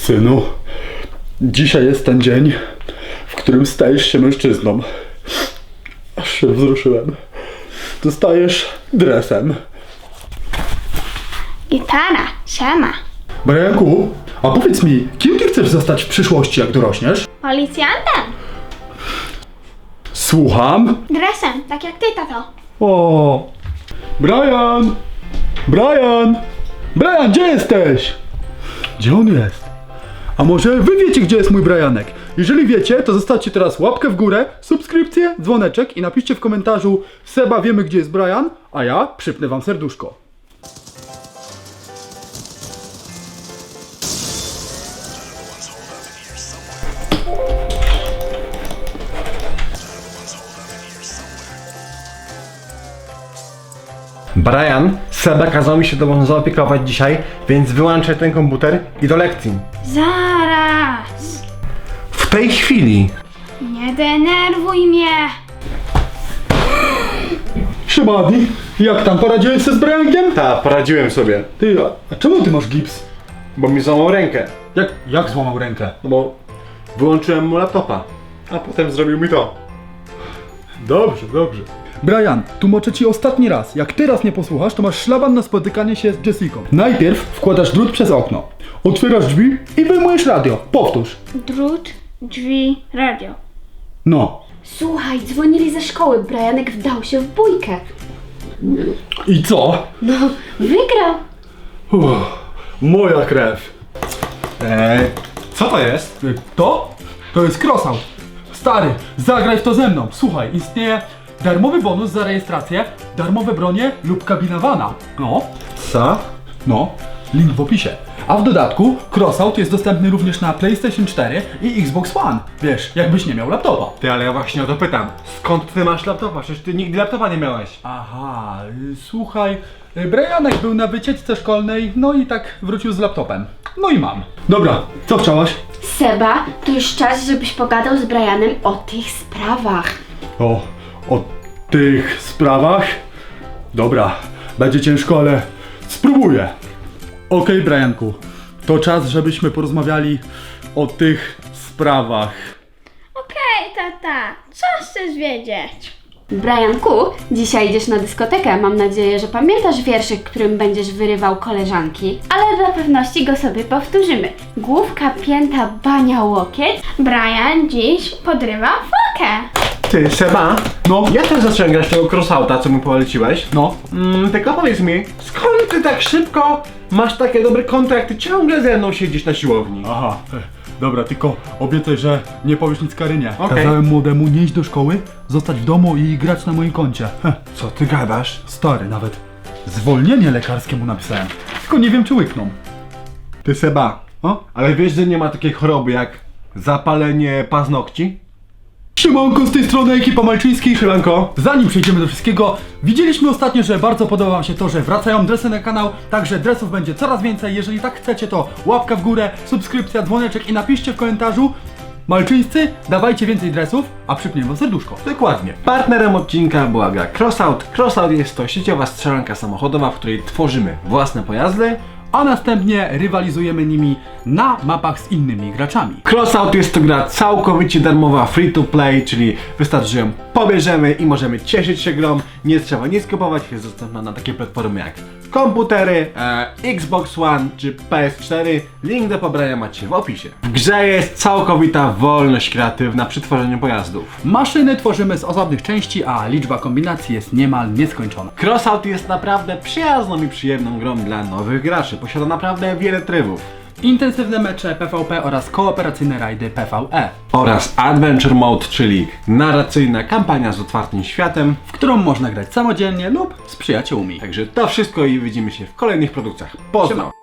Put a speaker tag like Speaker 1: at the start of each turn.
Speaker 1: Synu, dzisiaj jest ten dzień, w którym stajesz się mężczyzną. Aż się wzruszyłem. Dostajesz dresem.
Speaker 2: Gitara, siema.
Speaker 1: Brianku, a powiedz mi, kim ty chcesz zostać w przyszłości, jak dorośniesz?
Speaker 2: Policjantem.
Speaker 1: Słucham?
Speaker 2: Dresem, tak jak ty, tato.
Speaker 1: O, Brian! Brian! Brian, gdzie jesteś? Gdzie on jest? A może wy wiecie, gdzie jest mój Brianek? Jeżeli wiecie, to zostawcie teraz łapkę w górę, subskrypcję, dzwoneczek i napiszcie w komentarzu: Seba, wiemy, gdzie jest Brian, a ja przypnę wam serduszko.
Speaker 3: Brian, Seba kazał mi się tobą zaopiekować dzisiaj, więc wyłączę ten komputer i do lekcji.
Speaker 2: Zaraz.
Speaker 3: W tej chwili.
Speaker 2: Nie denerwuj mnie.
Speaker 1: Siema, Adi. Jak tam, poradziłeś sobie z Briankiem?
Speaker 3: Ta, poradziłem sobie,
Speaker 1: Ty, a czemu ty masz gips?
Speaker 3: bo mi złamał rękę.
Speaker 1: Jak złamał rękę?
Speaker 3: No bo wyłączyłem mu laptopa, a potem zrobił mi to.
Speaker 1: Dobrze, dobrze. Brian, tłumaczę ci ostatni raz. Jak teraz nie posłuchasz, to masz szlaban na spotykanie się z Jessiką. Najpierw wkładasz drut przez okno, otwierasz drzwi i wyjmujesz radio. Powtórz.
Speaker 2: Drut, drzwi, radio.
Speaker 1: No.
Speaker 4: Słuchaj, dzwonili ze szkoły. Brianek wdał się w bójkę.
Speaker 1: I co?
Speaker 4: No, wygrał.
Speaker 1: Moja krew.
Speaker 3: Co to jest?
Speaker 1: To? To jest crossout. Stary, zagraj w to ze mną. Słuchaj, istnieje darmowy bonus za rejestrację, darmowe bronie lub kabina vana. No.
Speaker 3: Co?
Speaker 1: No, link w opisie. A w dodatku crossout jest dostępny również na PlayStation 4 i Xbox One. Wiesz, jakbyś nie miał laptopa.
Speaker 3: Ty, ale ja właśnie o to pytam. Skąd ty masz laptopa? Przecież ty nigdy laptopa nie miałeś.
Speaker 1: Aha, słuchaj, Brianek był na wycieczce szkolnej, no i tak wrócił z laptopem. No i mam. Dobra, co chciałaś?
Speaker 4: Seba, to już czas, żebyś pogadał z Brianem o tych sprawach.
Speaker 1: O tych sprawach? Dobra, będzie ciężko, ale spróbuję. Okej, Brianku, to czas, żebyśmy porozmawiali o tych sprawach.
Speaker 2: Okej, tata, co chcesz wiedzieć?
Speaker 4: Brianku, dzisiaj idziesz na dyskotekę. Mam nadzieję, że pamiętasz wierszyk, którym będziesz wyrywał koleżanki. Ale dla pewności go sobie powtórzymy. Główka, pięta, bania, łokieć.
Speaker 2: Brian dziś podrywa fokę.
Speaker 3: Ty, Seba?
Speaker 1: No.
Speaker 3: Ja też zacząłem grać tego crossouta, co mi poleciłeś.
Speaker 1: No,
Speaker 3: Tylko powiedz mi, skąd ty tak szybko masz takie dobre konto, jak ty ciągle ze mną siedzisz na siłowni?
Speaker 1: aha, dobra, tylko obiecaj, że nie powiesz nic Karynie.
Speaker 3: Okej.
Speaker 1: Kazałem młodemu nie iść do szkoły, zostać w domu i grać na moim koncie.
Speaker 3: Co ty gadasz?
Speaker 1: Stary, nawet zwolnienie lekarskie mu napisałem. Tylko nie wiem, czy łykną.
Speaker 3: Ty, Seba,
Speaker 1: O?
Speaker 3: ale wiesz, że nie ma takiej choroby jak zapalenie paznokci?
Speaker 1: Siemanko, z tej strony ekipa Malczyńskich.
Speaker 3: Siemanko.
Speaker 1: Zanim przejdziemy do wszystkiego, widzieliśmy ostatnio, że bardzo podoba wam się to, że wracają dresy na kanał, także dresów będzie coraz więcej. Jeżeli tak chcecie, to łapka w górę, subskrypcja, dzwoneczek i napiszcie w komentarzu: Malczyńscy, dawajcie więcej dresów, a przypniemy wam serduszko.
Speaker 3: Dokładnie. Partnerem odcinka była gra Crossout. Crossout jest to sieciowa strzelanka samochodowa, w której tworzymy własne pojazdy.
Speaker 1: A następnie rywalizujemy nimi na mapach z innymi graczami.
Speaker 3: Crossout jest to gra całkowicie darmowa, free to play, czyli wystarczy, że ją pobierzemy i możemy cieszyć się grą. Nie trzeba nic kupować, jest dostępna na takie platformy jak komputery, Xbox One czy PS4. Link do pobrania macie w opisie. W grze jest całkowita wolność kreatywna przy tworzeniu pojazdów.
Speaker 1: Maszyny tworzymy z osobnych części, a liczba kombinacji jest niemal nieskończona.
Speaker 3: Crossout jest naprawdę przyjazną i przyjemną grą dla nowych graczy. Posiada naprawdę wiele trybów.
Speaker 1: Intensywne mecze PvP oraz kooperacyjne rajdy PvE,
Speaker 3: Oraz Adventure Mode, czyli narracyjna kampania z otwartym światem.
Speaker 1: w którą można grać samodzielnie lub z przyjaciółmi.
Speaker 3: Także to wszystko i widzimy się w kolejnych produkcjach. Pozdro!
Speaker 1: Siema.